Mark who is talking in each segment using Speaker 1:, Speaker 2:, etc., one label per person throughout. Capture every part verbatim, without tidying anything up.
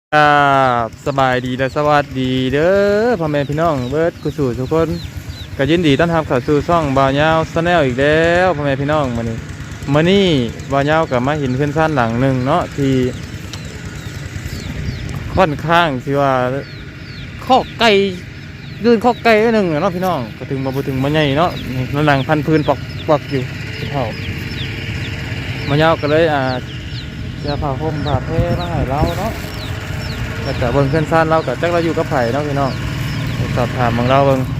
Speaker 1: ครับสบายดีและสวัสดีเด้อพ่อแม่พี่น้องเบิร์ดกุสู่ทุกคนก็ยินดีต้อนรับเข้าสู่ช่องบ่าวยาวชาแนลอีกแล้วพ่อแม่พี่น้องมื้อนี้มื้อนี้บ่าวยาวกับมาเห็นเพื่อนซ่านหลังหนึ่งเนาะที่ค่อนข้างที่ว่าข้อไก่ยืนข้อไก่หนึ่งเนาะพี่น้องก็ถึงมาบ่ถึงมาใหญ่เนาะนั่นหลังพันพื้นปอกปอกอยู่เท่าบ่าวยาวก็เลยอ่าจะพาห่มพาเพมาให้เราเนาะก็จะเบิ่งเพื่อนซ่านเรากับจักเราอยู่กับไผ่เนาะพี่น้องสอบถามของเราเบิ่ง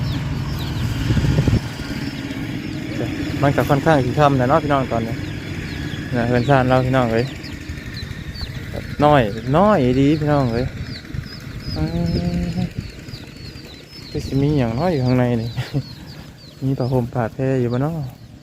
Speaker 1: มันก็ค่อนข้างสีค่ำนะเนาะพี่น้องตอนนี้นะเพื่อนซ่านเราพี่น้องเลยน้อยน้อยดีพี่น้องเลยก็จะมีอย่างน้อยอยู่ข้างในนี่มีผ้าห่มผ้าแพรอยู่บ้านเนาะ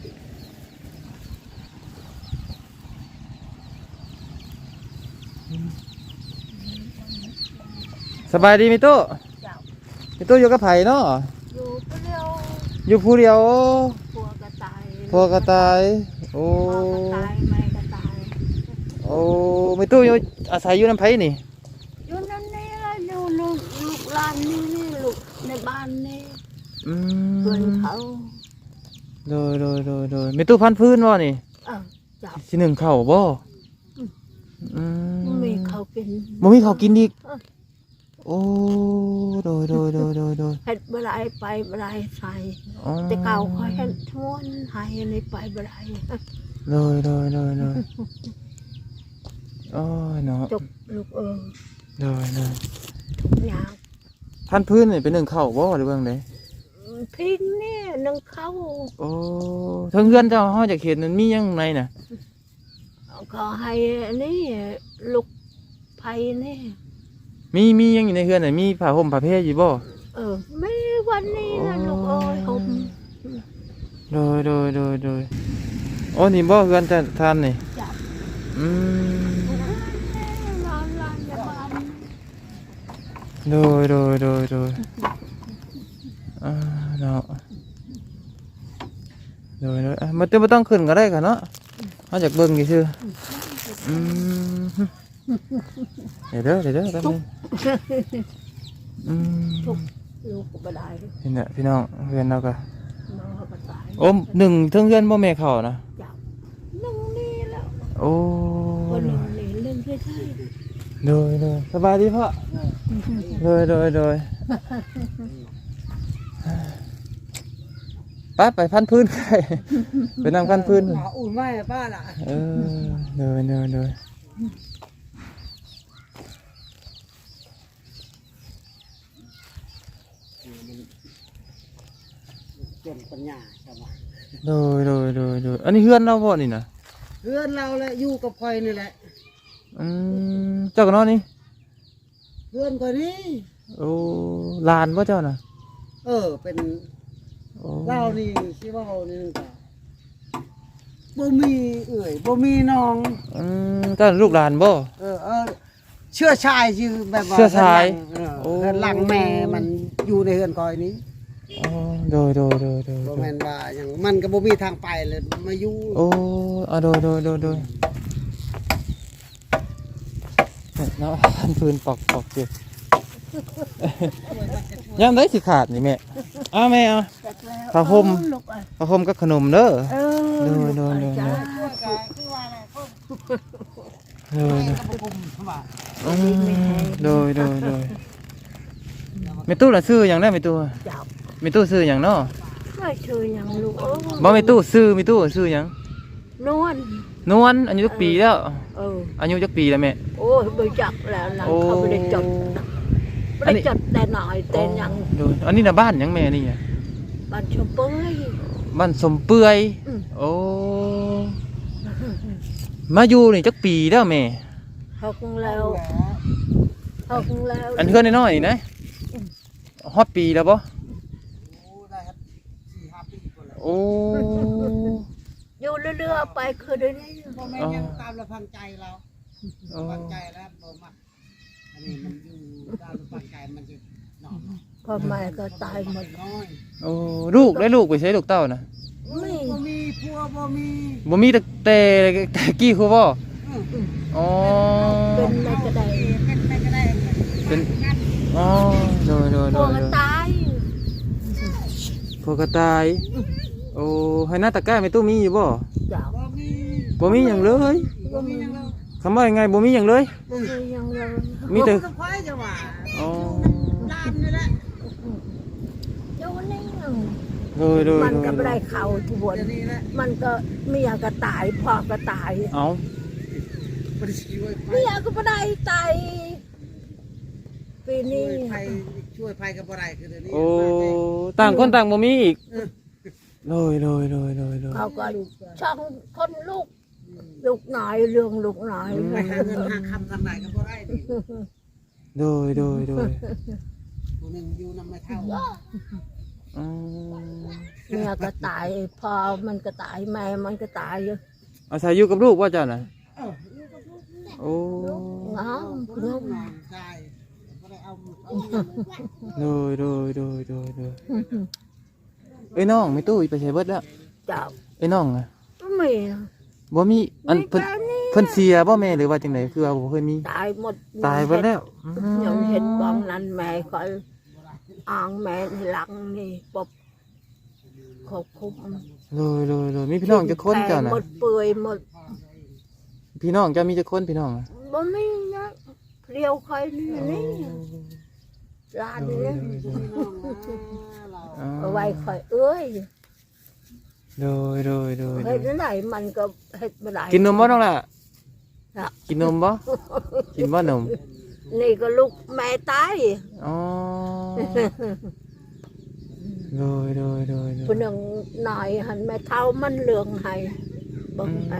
Speaker 1: สบายดีมิโต้มิโต้อยู่กับไผ่เนาะ
Speaker 2: อยู่ผู้เดียว
Speaker 1: อยู่ผู้เดียว
Speaker 2: พัวกระต่าย
Speaker 1: พัวกระต่ายโอ้
Speaker 2: พ่อกระต่ายแม่กระต่าย
Speaker 1: โอ้มิโต้อยู่อาศัยอยู่น้ำไผ่นี่
Speaker 2: อยู่นั่นนี่ละอยู่ลูกลูกหลานนี่นี่ลูกในบ้านนี่
Speaker 1: อืม
Speaker 2: เพื่อนเขา
Speaker 1: โดยโดยโดยโดยมิโต้พันพื้นวะนี่
Speaker 2: เออจับ
Speaker 1: ที่หนึ่งเข่าบ่อืม
Speaker 2: มีเขากิน
Speaker 1: บ่มีเขากินอีกโอ้โดยโดยโดยโดยโดย
Speaker 2: เห็ดบะไรไปบะไรใส่แต่เก่าเขาเห็ดทั้งวันหายในไปบะไร
Speaker 1: โดยโดยโดยโดยโอ้ยเนาะ
Speaker 2: จบลูกเออ
Speaker 1: โดยโดย
Speaker 2: ทุกอย่าง
Speaker 1: พันพื้นนี่เป็นหนึ่งเข่าบ่หรือเปล่าไง
Speaker 2: พิงเนี่ยนึ่งเข้า
Speaker 1: โอ้ทั้งเพื่อนเจ้าห้อจากเขตนั้นมียังไงน่ะ
Speaker 2: ก็ให้นี่ลูกไผ่นี่
Speaker 1: มีมียังอยู่ในเฮือนไหนมีผ้าห่มผ้าเพรอยู่บ่
Speaker 2: เออไม่วันนี้นะลูกเอ้ยห่ม
Speaker 1: โดยโดยโดยโดยโอ้นี่บ่เฮือนจะทานนี่อืมโดยโดยโดยโดยอ่าเนาะโดยโดยมาเต้ไม่ต้องขึ้นก็ได้ค่ะเนาะมาจากเบิ่งกี่ชื่ออืมเดี๋ยวเด้อเดี๋ยวเด้อแป๊บนึงอืม
Speaker 2: ลูกก็บ่ได้
Speaker 1: พี่เนี่ยพี่น้องเพื่อนเราก็โอ้หนึ่งเทิงเพื่อนบ่แม่เขานะ
Speaker 2: หนึ่งนี่แล้ว
Speaker 1: โอ้
Speaker 2: คนหนึ่งนี่เรื่องใช่ใช่
Speaker 1: โดยโดยสบายดีพ่อโดยโดยโดยป้าไปพันพื้นใครไปนั่งพันพื้น
Speaker 2: อุ่นไหมป้าล่ะ
Speaker 1: เออโดยโดยโดย
Speaker 2: เป็นปัญญาใช่ไหม
Speaker 1: โดยโดยโดยโดยอันนี้เพื่อนเราบ่นี่นะ
Speaker 2: เพื่อนเราแหละอยู่กับคอยนี่แหละ
Speaker 1: อืมเจ้ากันนอนนี่
Speaker 2: เพื่อนคนนี้
Speaker 1: โอ้ลานบ่เจ้าน่ะ
Speaker 2: เออเป็นเล่านี่ที่ว่านี่ก็บ่มีเอ่ยบ่มีน้อง
Speaker 1: อืมเจ้าลูกหลานบ่
Speaker 2: เออเออเชื่อชายชื่อแบบว่า
Speaker 1: เชื่อชาย
Speaker 2: เออหลังแม่มันอยู่ในเฮือนคอยนี้
Speaker 1: อ๋อโดยโดยโดยโดย
Speaker 2: บ่แม่นว่าอย่างมันก็บ่มีทางไปเลยมาอยู่
Speaker 1: โอ้อ่ะโดยโดยโดยโดยเนาะพันปืนปอกปอกเจ็บยังได้สิขาดนี่แม่อ้าแม่เอาผ้าห่มผ้าห่มกับขนมเด้อโดยโดยโดยโดยโดยโดยโดยไม่ตู้ละซื้ออย่างได้ไม่ตู้ไม่ตู้ซื้ออย่างเนาะ
Speaker 2: ไม่ซื้ออย่างลูกเอ้ย
Speaker 1: บ่ไม่ตู้ซื้อไม่ตู้ซื้ออย่าง
Speaker 2: นวล
Speaker 1: นวลอายุจักปีแล้ว
Speaker 2: เออ
Speaker 1: อายุจักปีแล้วแม่
Speaker 2: โอ้ยบ่จักแล้วนะเขาไม่ได้จดไม่ได้จดแต่หน่อยแต่ยัง
Speaker 1: โดยอันนี้น่ะบ้านยังแม่นี่อ่ะ
Speaker 2: บ้านชมเปื่อย
Speaker 1: บ้านสมเปื่อยโอ้มาอยู่นี่จักปีแล้วแม่
Speaker 2: หกแล้วหกแล้ว
Speaker 1: อันเพื่อนน้อยๆนี่นะฮอดปีแล้วบ่โอ้
Speaker 2: อยู่เรื่อยๆไปคือเดี๋ยวนี้พ่อแม่ยังตามระพังใจเราฟังใจแล้วบ่มักอันนี้มันอยู่ตามระพังใจมันจะนอนพ่อแม่ก็ตายหมดน้อย
Speaker 1: โอ้ลูกได้ลูกไปใช้ลูกเต้านะ
Speaker 2: ไม่บ่มีพัวบ่มี
Speaker 1: บ่มีแต่แต่กี้คือบ่อ๋อ
Speaker 2: เป็นแม่ก็ได้เป็นแม่ก็ได้
Speaker 1: เป็นอ๋อโดยโดย
Speaker 2: พ
Speaker 1: โด
Speaker 2: วย ก
Speaker 1: โด
Speaker 2: ก็
Speaker 1: ย
Speaker 2: ตาย
Speaker 1: พวกกระต่ายโอ้ให้หน้าตะกร้าไม่ตู้มีอยู่บ่
Speaker 2: เจ้า
Speaker 3: บ่มี
Speaker 1: บ่มีหยังเลย
Speaker 3: บ่มีหยังแล้ว
Speaker 1: คำว่ายังไงบ่มีหยังเลย
Speaker 2: บ่มีหยังเลย
Speaker 1: มีแต่
Speaker 3: ก็ควายจะว่า
Speaker 1: อ๋อ
Speaker 3: ลานนี่แหละ
Speaker 2: อยู่นี่
Speaker 1: โดยโดย
Speaker 2: มัน
Speaker 1: โด
Speaker 2: ก็
Speaker 1: ย
Speaker 2: ไม่ได้เข้าที่บน
Speaker 3: เดี๋ยวนี้แหละ
Speaker 2: มันก็เมียก็ตายพ่อก็ตาย
Speaker 1: เอา
Speaker 3: บ่ได้ช่วยไผ
Speaker 2: เมียก็ไม่ได้ตายปี
Speaker 3: ช่
Speaker 2: นี้
Speaker 3: วยไผช่วยไผก็บ่ได้คือเดี๋ยวนี้
Speaker 1: โอ้ต่างคนต่างบ่มีอีกโดยโดยโดยโดยโดย
Speaker 2: เขาก็ช่องคนลูกลูกน้อยเรื่องลูกน้อย
Speaker 3: ไปหาเงินหาคำทางไหนก็บ่ได้นี่
Speaker 1: โดยโดยโดย
Speaker 3: ผู้หนึงอยู่นำไม่เท่า
Speaker 1: อืม
Speaker 2: เมียก็ตายพ่อมันก็ตายแม่มันก็ตาย
Speaker 1: อาศัยอยู่กับลูกว่าเจ้าน่ะ
Speaker 3: เอออยู่กับลูกนี่แหละ
Speaker 1: โอ้
Speaker 2: งาม
Speaker 3: ผู้
Speaker 2: คุณ
Speaker 3: ลู
Speaker 2: ลู
Speaker 3: ก
Speaker 2: ก
Speaker 3: นอนใช่บ่ได้เอาเอา
Speaker 1: โดยโดยโดยโดยโดยเอ้ยน้องไม่ตู้ไปใช้เบิดแล้ว
Speaker 2: เจ้า
Speaker 1: เอ้ยน้องอ่ะ
Speaker 2: ไม่มี
Speaker 1: บ่มีอัน
Speaker 2: มี
Speaker 1: เพิ่น
Speaker 2: แค่นี้
Speaker 1: เพิ่นเสียบ่แม่หรือว่าจังไดคือว่าบ่เคยมี
Speaker 2: ตายหมด
Speaker 1: ตายเบิดแล้วอืม
Speaker 2: ยังเห็นบองนั้นแม่คอยอ่างแม่หลังนี่ปบขอบคุม
Speaker 1: โดยโดยโดยมีพี่น้องจักคนเจ้าน่ะ
Speaker 2: หมดเปื่อยหมด
Speaker 1: พี่น้องเจ้ามีจักคนพี่น้องอะ
Speaker 2: บ่มีนะเรียวคอยนี่นี่ร้านนี้
Speaker 1: อ๋อ
Speaker 2: เอาไว้คอยเอ้ย
Speaker 1: โดยโดยโดยโด
Speaker 2: เฮ็
Speaker 1: ย
Speaker 2: ดไหนมันก็เฮ็ดบ่ได้
Speaker 1: กินนมบ่น้องล่ะ
Speaker 2: น่ะ
Speaker 1: กินนมบ่กินบ่นม
Speaker 2: นี่ก็ลูกแม่ตาย
Speaker 1: อ๋อโดยโดยโดยโด
Speaker 2: ผู้
Speaker 1: ย
Speaker 2: หนึงหน่อยหันแม่เฒ่ามันเลืองให้เบิ่งให้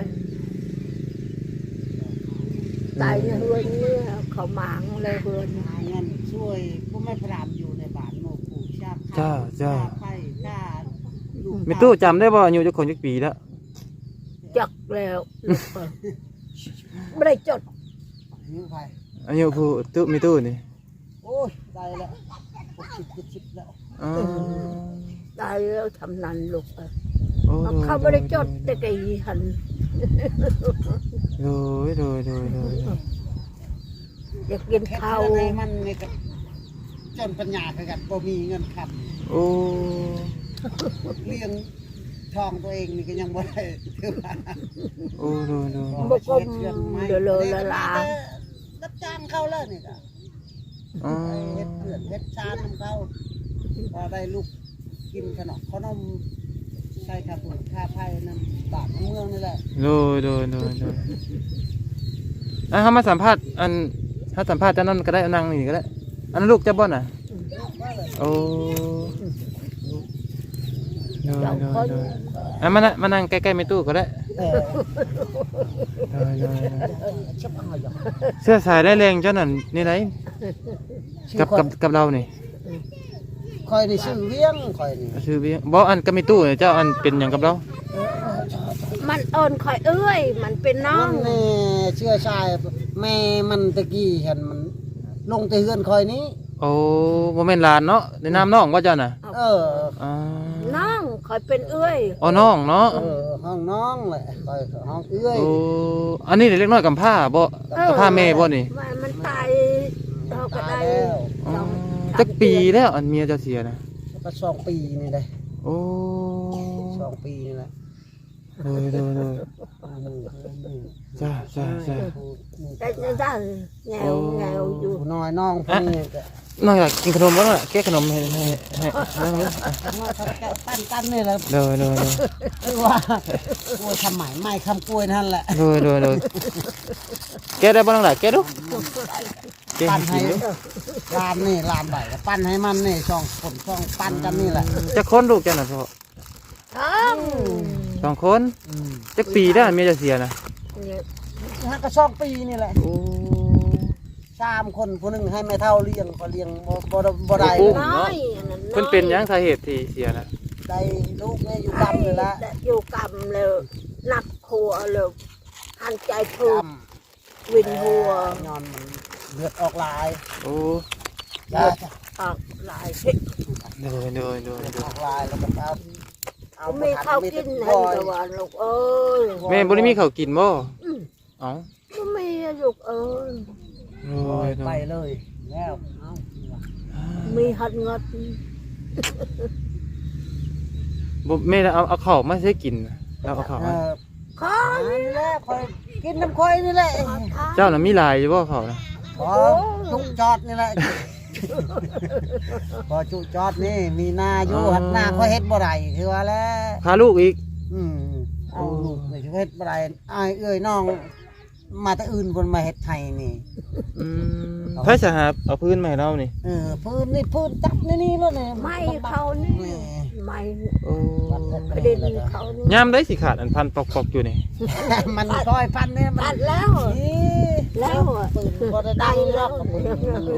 Speaker 2: ตายในเฮือนเนี่ยเขาหมางเลยเฮือน
Speaker 3: หาเงินช่วยผู้ไม่พรามอยู่ในบ้านหมู่ปู่ชาบ
Speaker 1: จ้าจ้า
Speaker 3: ไผ่จ้าลูก
Speaker 1: แม่ตู้จำได้บ่อายุจักคนจักปีแล้ว
Speaker 2: จักแล้วลูกเอ้ยไม่ได้จด
Speaker 3: หิวไผ่
Speaker 1: อายุผู้ตู้แม่ตู้นี่
Speaker 3: โอ้ยได้แล้วหกสิบเจ็ดสิบแล้ว
Speaker 1: อ๋อ
Speaker 2: ได้แล้วทำนันลูกเอ้ย
Speaker 1: โอ้โดย
Speaker 2: เขาไม่ได้จดแต่ไก่หัน
Speaker 1: โดยโดยโดยโดยโดย
Speaker 2: อยากกิน
Speaker 3: แค่
Speaker 2: ข้าว
Speaker 3: เท่าไรมันนี่ก็จนปัญญาคือกันบ่มีเงินค
Speaker 1: โอ้
Speaker 3: ำเลี้ยงทองตัวเองนี่ก็ยังบ่ได้คือว่า
Speaker 1: โอ้โดยโดย
Speaker 2: บกมเดือดเลยละลา
Speaker 3: รับจ้างเขาแล้วนี่ก็
Speaker 1: อ๋อ
Speaker 3: ไปเฮ็ดเพื่อนเฮ็ดชานของเขาพอได้ลูกกินขนมขนมใส่ข้าวปุ๋ยข้าวไผ่น้ำบาทน้ำเมืองนี่แหละ
Speaker 1: โดยโดยโดยโดยอ่ะเฮามาสัมภาษณ์อันถ้าสัมภาษณ์เจ้านั่นก็ได้เอานั่งนี่ก็ได้อันนั้นลูกเจ้าบ่น่ะโอ้โดย
Speaker 2: เจ้า
Speaker 1: โด
Speaker 2: ค
Speaker 1: ย
Speaker 2: น
Speaker 1: โดยอ่ะมานะมานั่งใกล้ๆแม่ตู้ก็ได้
Speaker 3: เออ
Speaker 1: โดยโดยโดย
Speaker 3: ชับเอาอยู่
Speaker 1: เสื้อสายได้แรงเจ้านั่นนี่ไหนกับกับกับเรานี่
Speaker 3: คอยนี่ชื่อเวียงคอยนี่
Speaker 1: ชื่อเบี้ยบ่อันกับแม่ตู้เนี่ยเจ้าอันเป็นหยังกับเรา
Speaker 2: มันเอิญคอยเอ้ย มันเป็นน้อ
Speaker 3: มั
Speaker 2: ง
Speaker 3: นนี่เชื่อชายแม่มันตะกี้เห็นมันลงแต่เฮือนคอยนี้
Speaker 1: โอ้บ่แม่นหลานเนาะในนามน้องว่าเจ้าน่ะ
Speaker 3: เออ
Speaker 1: อ๋อ
Speaker 2: น้องคอยเป็นเอ้ย
Speaker 1: อ๋อน้องเนาะ
Speaker 3: เออห้องน้องแหละคอยห้องเอื้อย
Speaker 1: โอ้อันนี้เล็กน้อยกำพร้าบ่กำพร้าแม่บ่นี่
Speaker 2: มันมันตายเราก็
Speaker 3: ตา
Speaker 2: ได้
Speaker 3: ยแล้ว
Speaker 1: อ๋อ
Speaker 2: สอง
Speaker 1: จักปีแล้วอันเมียเจ้าเสียนะ
Speaker 3: ก็สองปีนี่เลย
Speaker 1: โอ้
Speaker 3: สองปีนี่แหละ
Speaker 1: โดยโดยโดยจ้าจ้าจ้า
Speaker 2: ได้ได้ได้แงวแงวอยู่
Speaker 3: ผู้น้อยน้องพวกนี้ก็
Speaker 1: น้องอยากกินขนมบ่ล่ะแก้ขนมให้ให้ให้นั่งเลย
Speaker 3: ปั้นปั้นนี่แหละ
Speaker 1: โดยโดยโดย
Speaker 3: คือว่ากล้วยทำใหม่ไม่คำกล้วยนั่นแหละ
Speaker 1: โดยโดยโดยแก้ได้บ่น้องล่ะแก้ดูแก้
Speaker 3: ปั้น
Speaker 1: ให้
Speaker 3: ให้
Speaker 1: กินดู
Speaker 3: ลานนี่ลานใบก็ปั้นให้มันนี่สองคนสองปั้นกันนี่แหละ
Speaker 1: จักคนลูกจ้าน่ะพ่อ
Speaker 2: ทั้ง
Speaker 1: สองคนจักปีแล้วอันเมียเจ้าเสียนะ
Speaker 2: เนี่ย
Speaker 3: ฮะก็สองปีนี่แหละ
Speaker 1: โอ้
Speaker 3: สามคนผู้หนึงให้แม่เท่าเลี้ยงก็เลี้ยงบ่บ่ได้บ่ได้
Speaker 2: น้อยอันนั้นน้อย
Speaker 1: เพิ่นเป็นหยังสาเหตุที่เสียนะ
Speaker 3: ได้ลูกเนี่ยอยู่ดำเลยละ
Speaker 2: ได้อยู่กำเลยหนักหัวเลยหันใจพู
Speaker 3: ด
Speaker 2: ดวินหัว
Speaker 3: ย้อนมันเลือดออกลาย
Speaker 1: โอ้
Speaker 3: จ้าจ้ะ
Speaker 2: ออกหลาย
Speaker 1: โดยโดยโดย
Speaker 3: เลือด
Speaker 1: โด
Speaker 3: อย อกลายแล้วก็เอาเอา
Speaker 2: ไม่เข้าวกิน
Speaker 3: ให้
Speaker 2: ให้ตะวันลูกเอ้ย
Speaker 1: แม่บ่ได้มีข้าวกินบ่
Speaker 2: อืม
Speaker 1: เอ้า
Speaker 2: ไม่มีลูกเอ้ย
Speaker 1: โด
Speaker 3: ปล่อย
Speaker 1: ยโด
Speaker 3: ไป
Speaker 1: ย
Speaker 3: เลยแล้วเอา
Speaker 2: มีหัดเงิด
Speaker 1: บ่แม่เอาเอาข้าวมาใช้กินเราเอาข้าว
Speaker 3: เอ
Speaker 1: มา
Speaker 3: อ
Speaker 2: คอ
Speaker 3: นี่แหละคอยกินน้ำคอยนี่แหละ
Speaker 1: เจ้าน่ะมีหลายอยู่บ่ข้าวนะ
Speaker 3: พอจุกจอดนี่แหละพอจุกจอดนี่มีนาอยู่หัดหน้าคอยเฮ็ดบ่ได้คือว่าแล้ว
Speaker 1: พาลูกอีก
Speaker 3: อืมเอาลูกนี่เฮ็ดบ่ได้อ้ายเอ้ยน้องมาแต่อื่นคนมาเฮ็ดไทยนี่
Speaker 1: อืมไผสิหาเอาพื้นมาให้เรานี่
Speaker 3: เออพื้นนี่พื้นจับนี่นี่แล้วนี่
Speaker 2: ไม่เขานี่ไม่
Speaker 1: โอ้
Speaker 2: กระเด็นเขานี่
Speaker 1: ยามได้สิขาดอันพันปอกๆอยู่นี่
Speaker 3: มันซอยพันเนี่ยมั
Speaker 2: ตั
Speaker 3: น
Speaker 2: ดแล้ว
Speaker 3: นี่
Speaker 2: แล้วอะ
Speaker 3: ปืนบ่ได้ดังหรอก
Speaker 1: โอ้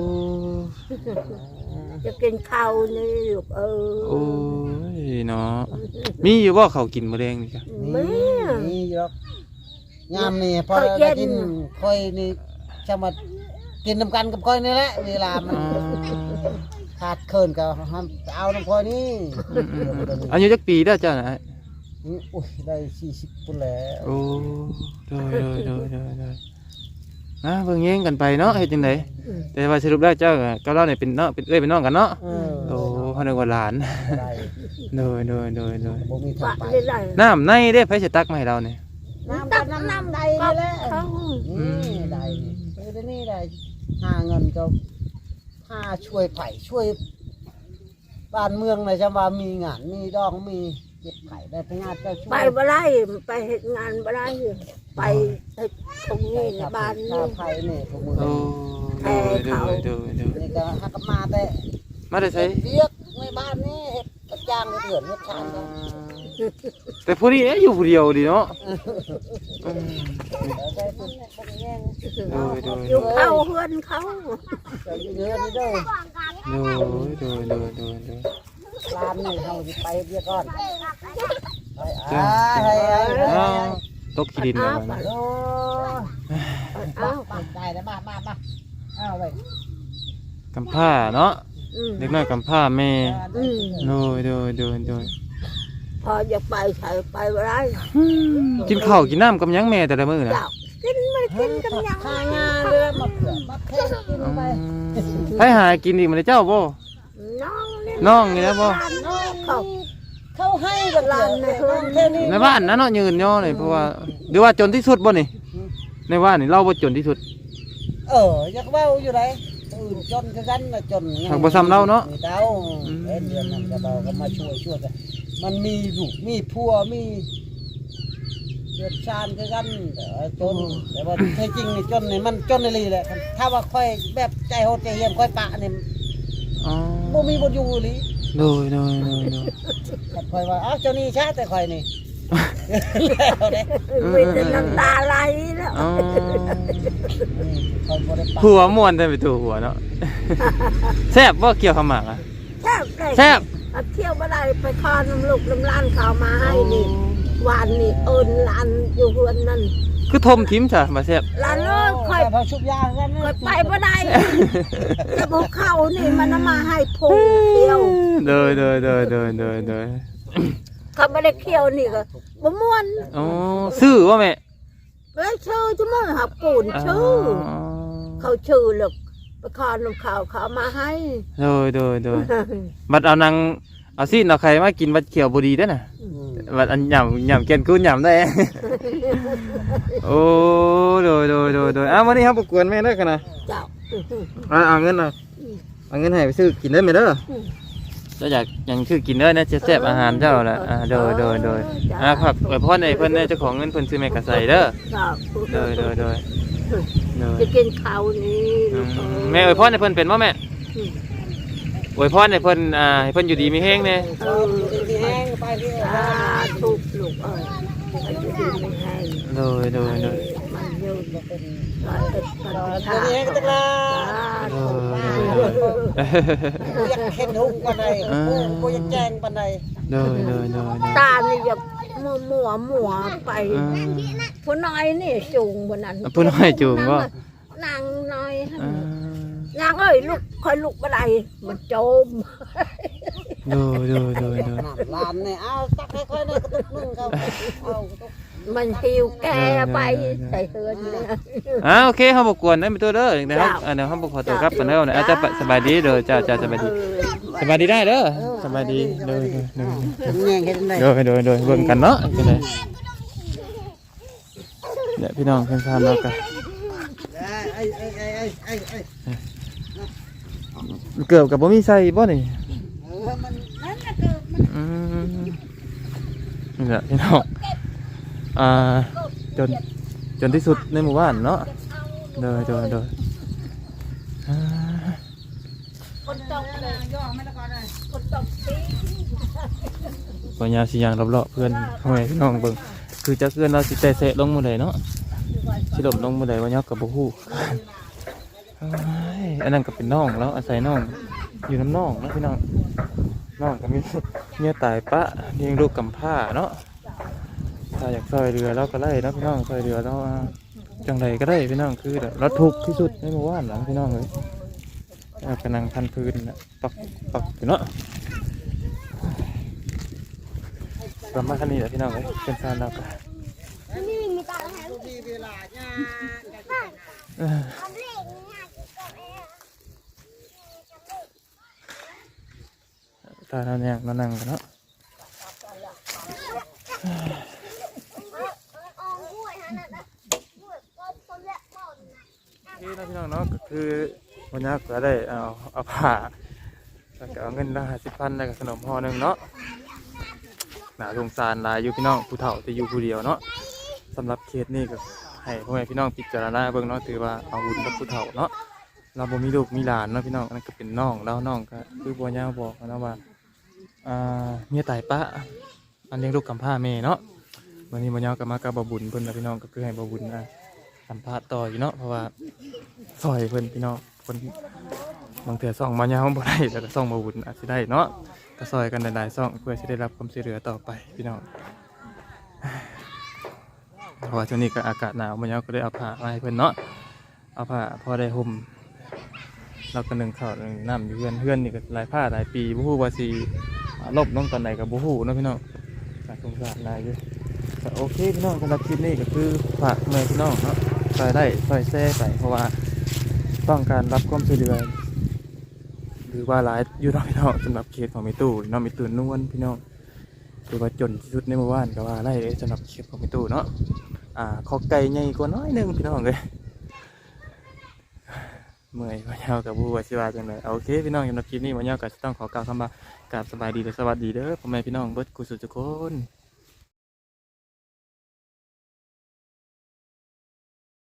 Speaker 2: จะกินข้าวนี่ลูกเออ
Speaker 1: โอ้ยเนาะมีอยู่บ่ข้าวกินมื้อแลงนี่จ้ะ
Speaker 2: มี
Speaker 3: นี่หรอกยามนี่พอได้กินค่อยนี่จะมากินน้ำกันกับค่อยนี่แหละเวลามัน
Speaker 1: อ๋อ
Speaker 3: ขาดเคินก็ห้ามเอาน้ำค่อยนี่
Speaker 1: อืมๆอายุจักปีเด้อเจ้าน่ะ
Speaker 3: อุ้ยได้สี่สิบปุ่นแล้ว
Speaker 1: โอ้โดยโดยโดยโดยโดยนะเบิ่งแย่งกันไปเนาะเฮ็ดจังไดแต่ว่าสรุปแล้วเจ้ากับเราเนี่ยเป็นเนาะเป็นเอ้ยเป็นน้องกันเนาะ
Speaker 3: เออ
Speaker 1: โอ้เฮานึกว่าหลาน
Speaker 3: ได้
Speaker 1: โดยโดยโดยโดย
Speaker 3: บ่มีทา
Speaker 2: ปะ
Speaker 3: งไป
Speaker 2: ได้ไร
Speaker 1: น้ำในเด้ไผสิตักมาให้เราเนี่ย
Speaker 3: น้ำตักน้ำน้ำใด
Speaker 2: ก็
Speaker 3: นี่แหละ
Speaker 2: เขา
Speaker 3: นี่ได้เออนี่ได้หาเงินก็หาช่วยไผ่ช่วยบ้านเมืองเลยจะว่ามีงานมีดองมีเก็บไข่ได้พงานเจ้าช่วย
Speaker 2: ไปบ่ได้ไปเฮ็ดงานบ่ได้ไปเฮ็ดตรงนี้ในบ้าน
Speaker 3: ข้า
Speaker 2: นี่
Speaker 3: ไผ่นี่พวกมือ
Speaker 1: โอ้โดยโดยโดยโดย
Speaker 3: นี่ก็หักมาแต่
Speaker 1: มาได้ใช้
Speaker 3: เรียกในบ้านนี่เฮ็ดกระจ้างกระเถื่อนเฮ็ดชานก็
Speaker 1: แต่ผู้นี้อยู่ผู้เดียวดีเนาะอืม
Speaker 3: แล้วได้คนคนแย่ง
Speaker 1: โดยโดย
Speaker 2: อยู่เข้าเฮือนเขา
Speaker 3: จะอยู่เนื้อนี่เด้อ
Speaker 1: โดยโดยโดยโดยโดย
Speaker 3: ร้านนี่เฮาสิไปเรียกก่อนไป
Speaker 1: จ้า
Speaker 3: อ่าให้ให้ให้
Speaker 1: อ้าวตกขี้ดินแล้วนะ
Speaker 3: โอ้
Speaker 2: เอ้า
Speaker 3: บ้านได้แล้วมามามาเอาไว้
Speaker 1: กำผ้าเนาะ
Speaker 2: อืม
Speaker 1: เด็กน้อยกำผ้าแม่
Speaker 2: อืม
Speaker 1: โดยโดยโดยโดย
Speaker 2: พออยากไปใส่ไปบ่ได้
Speaker 1: กินข้าวกินน้ำกับหยังแม่แต่ละมื้อนะ
Speaker 2: เจ้ากินไม่กินกันยัง
Speaker 3: ข้างานเรือมาเผื่อมาเทกินไป
Speaker 1: ให้หากินอีกมันเจ้าบ่
Speaker 2: น้องนี่
Speaker 1: น้องนี่นะบ่
Speaker 2: เขา
Speaker 3: เขาให้บัตรแค่นี้
Speaker 1: ในบ้านนะเนาะยืนย่อเลยเพราะว่าหรือว่าจนที่สุดบ่นี่ในบ้านนี่เราบ่จนที่สุด
Speaker 3: เอออยากเว้าอยู่ไหนอื่นจนคือกันน่ะจน
Speaker 1: หากบ่ซ้ำเราเนาะ
Speaker 3: มีเต้าเอ็นเดือนนั้นก็เบาก็มาช่วยช่วยกันมันมีลูกมีผัวมีเดือดชานคือกันแต่ว่าจนแต่ว่าแท้จริงนี่จนนี่มันจนในลีแหละถ้าว่าค่อยแบบใจโหดใจเหี้ยมค่อยปะนี่
Speaker 1: อ๋อ
Speaker 3: บ่มีบ่อยู่ลี
Speaker 1: โดยโดยโดยโดย
Speaker 3: แต่ค่อยว่าอ้าวเจ้านี่ช้าแต่ค่อยนี่ แล้วเด้
Speaker 2: มีแต่น้ำตาไหลแล้ว
Speaker 1: อ๋อ
Speaker 3: ค่อยบ่ได้ปะ
Speaker 1: หัวม่วนได้ไปตัวหัวเนาะ แซ่บบ่เกี่ยวขาวหมากอ่ะ
Speaker 2: แซ่บเลย
Speaker 1: แซ่บ
Speaker 2: เอาเที่ยวบ่ได้ไปคอน้ำลูกน้ำล้านเขามาให้นี่วานนี่เอิญหลานอยู่เฮือนนั่น
Speaker 1: คือทมทิมจ้ะมาแซ่บ
Speaker 2: หลานเอ้ยค่อย
Speaker 3: พอชุบยากัน
Speaker 2: ค่อยไปบ่ได้แต่พวกเขานี่มันเอามาให้พุงเที่ยว
Speaker 1: โดยโดยโดยโดยโดยโดย
Speaker 2: เขาไม่ได้เที่ยวนี่ก็บ่ม่วน
Speaker 1: อ๋อซื้อว่าแม่
Speaker 2: เอ้ยชื่อจะมึงหักปูนชื่อเขาชื่อหรอกไปคอน้ำเขาเขาเอามาให้
Speaker 1: โดยโดยโดยบัดเอานางเอาซีนเอาใครมากินบัดเขียวบ่ดีเด้อน่ะบัดอันหย่ำหย่ำเกนกูนหย่ำได้ โอ้โดยโดยโดยโดยอ้าววันนี้ครับประกวนแม่เด้อกันนะ
Speaker 2: เจ้า
Speaker 1: เอาเอาเงินเอาเอาเงินให้ไปซื้อกินได้ไหมเด้อเจ้าอยากอยังซื้อกินเด้อนะจะแซ่บอาหารเจ้าแหละอ่าโดยโดยโดยอ่าผักไว้พ่อในเพิ่นเนี่ยเจ้าของเงินเพิ่นซื้อแม่กระใส่เด้อ
Speaker 2: เจ้า
Speaker 1: โดยโดยโดยโดย
Speaker 2: จะกินข้าวนี่
Speaker 1: อื
Speaker 2: ลูก
Speaker 1: ม
Speaker 2: เอ้ย
Speaker 1: แม่อวยพรให้เพิ่นเป็นบ่แม่อวยพรให้เพิ่นอ่าให้เพิ่นอยู่ดีมีแฮงแน่
Speaker 2: เออ
Speaker 3: มีแห้งไปที่
Speaker 2: สาธุลูกเอ้ยมันจะดีไม่ให้
Speaker 1: โดยโดยโดย
Speaker 2: มันยืน
Speaker 3: เป็น
Speaker 2: ร้อยเอ็ดพัน
Speaker 3: ตอน
Speaker 2: ชา
Speaker 3: นี้ก็ตะลา
Speaker 1: โด
Speaker 3: อยากเห็นหุ่งปานใดกูอยากแจ้งปานใด
Speaker 1: โดยโดยโดยโดย
Speaker 2: ตานี่อย่ามัวมัวมัวไป
Speaker 1: อ่า
Speaker 2: ผู้น้อยนี่จูงบนนั้น
Speaker 1: ผู้น้อยจูงบ่
Speaker 2: นางน้อย
Speaker 1: อ่าน
Speaker 2: างเอ้ยลูกคอยลูกบ่ได้มันโจม
Speaker 1: โดยโดยโดยโดย
Speaker 3: น้ำลานเนี่ยเอาตักให้ค่อยหน่อยกระตุกนึงเขาเอากระตุก
Speaker 2: มันหิวแกไปใส่เฮือนเลย
Speaker 1: อ่าโอเคเฮาบ่กวนได้ไปตัวเด้อเดี๋ยว
Speaker 2: เจ้า
Speaker 1: เฮาเดี๋ยวเฮาบ่ขอตัวกลับกันเด้อนะอาจจะสบายดีเด้อเจ้าเจ้าสบายดีสบายดีได้เด้อสบายดีเด้อเด้อ
Speaker 3: แง่งเห็นได้
Speaker 1: เด้อเด้อเด้อเบิ่งกันเนาะเป็นไงเนี่ยพี่น้องเพิ่นทานเนาะก็
Speaker 3: ไอ้ไอ้ไอ้ไอ้ไอ้ไอ้
Speaker 1: เกือบกับบ่มีใส่บ่นี่
Speaker 3: เออมันนั่นน่ะเกิดมัน
Speaker 1: อืมนี่แหละพี่น้องอ่าจนจนที่สุดในหมู่บ้านเนาะเด้อเด้อเด้ออ่า
Speaker 2: คนตกเลยย่อไม่ละก่อนเลยคนตกสิ
Speaker 1: ปัญญาสิยางรอบๆเพื่อนพ่อแม่พี่น้องเบิ่งคือจักเพื่อนเราสิแต่เสะลงมื้อใดเนาะสิลบลงมื้อใดว่ายักก็บ่ฮู้เอ้ยอันนั้นก็เป็นน้องแล้วอาศัยน้องอยู่น้ำน้องเนาะพี่น้องน้องก็มีเมียตายปะเลี้ยงลูกกำพร้าเนาะถ้าอยากซอยเรือเราก็ไล่เนาะพี่น้องซอยเรือเราอ่าจังใดก็ได้พี่น้องคือแบบเราทุกข์ที่สุดในหมู่บ้านหลังพี่น้องเลยเอากระนังพันพื้นน่ะปักปักอยู่เนาะประมาณนี้แหละพี่น้องเลยเป็นการเราก็
Speaker 3: มีเวลาเนี่ย
Speaker 1: เออตาเราเนี่ยเรานั่งกันเนาะที่เราพี่น้องเนาะก็คือวันนี้ก็ได้เอาเอาผ้าแล้วก็เอาเงินละห้าสิบพันแล้วก็ขนมห่อหนึ่งเนาะหนาสงสารหลายอยู่พี่น้องผู้เฒ่าจะอยู่ผู้เดียวเนาะสำหรับเคสนี้ก็ให้พ่อแม่พี่น้องพิจารณาเบิ่งเนาะถือว่าเอาบุญกับผู้เฒ่าเนาะเราบ่มีลูกมีหลานเนาะพี่น้องอันนั้นก็เป็นน้องแล้วน้องก็คือบัวย่าบอกนะว่าอ่าเมียตายปะอันเลี้ยงลูกกำพร้าแม่เนาะวันนี้บัวย่าก็มากับบ่บุญเพิ่นนะพี่น้องก็คือให้บ่บุญอ่ะสัมภาษณ์ต่ออยู่เนาะเพราะว่าซอยเพิ่นพี่น้องเพิ่นบางเถื่อซ่องบัวย่าบ่ได้แต่ก็ซ่องบ่บุญอาจสิได้เนาะก็ซอยกันหลายๆซ่องเพื่อสิได้รับความช่วยเหลือต่อไปพี่น้องเพราะว่าช่วงนี้ก็อากาศหนาวบัวย่าก็ได้เอาผ้ามาให้เพิ่นเนาะเอาผ้าพอได้ห่มเราก็นึ่งข้าวนึ่งน้ำอยู่เพื่อนเพื่อนนี่ก็หลายผ้าหลายปีบ่ฮู้ว่าสิลบลงตอนไหนก็บ่ฮู้เนาะพี่น้องก็สงสารหลายอยู่ก็โอเคพี่น้องสำหรับคลิปนี้ก็คือฝากแม่พี่น้องเนาะซอยได้ซอยแซ่ไปเพราะว่าต้องการรับความช่วยเหลือหรือว่าหลายอยู่เนาะพี่น้องสำหรับเคสของมิตู้เนาะมิตู้นวลพี่น้องถือว่าจนที่สุดในหมู่บ้านก็ว่าไล่เลยสำหรับเคสของมิตู้เนาะอ่าขอไก่ใหญ่กว่าน้อยหนึงพี่น้องเลยเมื่อยมาเยากับผู้ว่าชิวาจังเลยโอเคพี่น้องสำหรับคลิปนี้มาเยาก็จะต้องขอกล่าวคำว่ากราบสบายดีและสวัสดีเด้อพ่อแม่พี่น้องเบิดกุศลทุกคน